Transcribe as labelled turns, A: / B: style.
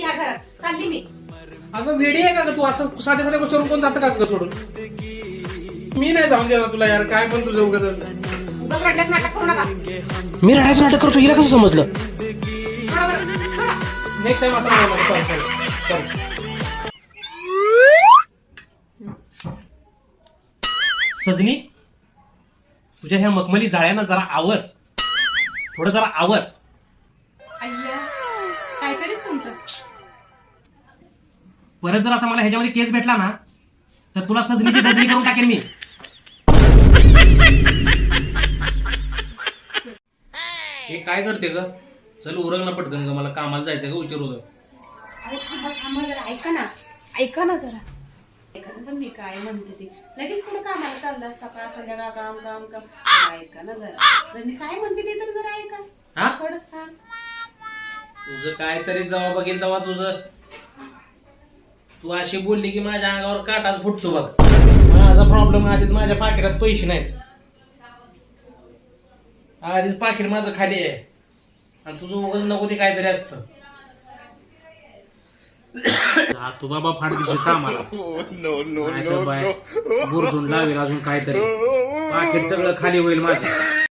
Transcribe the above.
A: या घरात चालली मी.
B: अगं वेडी आहे का ग तू? असं साध्या साध्या गोष्टीवरून कोण जातं का ग सोडून? मी नाही जाऊन देणार तुला यार. काय पण तुझं उगाच
A: उगाच रडल्यास नाटक करू नका.
C: मी रडायचं नाटक करतो हिला कसं समजलं?
A: सोडा बरं, सोडा.
B: नेक्स्ट टाइम असं नाही. Sorry sorry sorry. सजनी, तुझ्या ह्या मखमली जाळ्यांना जरा आवर. थोडं जरा आवर.
A: अय्या काहीतरीच तुमचं.
B: परत जर असा मला ह्याच्यामध्ये केस भेटला ना तर तुला सजनीची धजनी करून टाकेन मी. हे काय करते ग? चल उरग ना पटकन ग, मला कामाला जायचं ग, उशीर होतं.
A: अरे थांबा थांबा जरा, ऐका ना. ऐका ना जरा. ऐका ना, पण मी काय म्हणते ते लगेच कुठं कामाला चालला? सकाळ संध्याकाळ काम काम काम. ऐका ना जरा. तर मी काय म्हणते ते तर जरा ऐका.
B: हा?
A: थोडं हा.
B: तुझं काहीतरी जेव्हा बघेल तेव्हा तुझं तू अशी बोलली की माझ्या अंगावर काटाच फुटतो बघ. माझा प्रॉब्लेम आधीच माझ्या पाकिटात पैसे नाहीत. आधीच पाकिट माझं खाली आहे आणि तुझं उगाच नको ते काहीतरी असतं. तू बाबा फाट दिवशी कामाला गुरधून लावेल अजून काहीतरी. पाकिट सगळं खाली होईल माझं.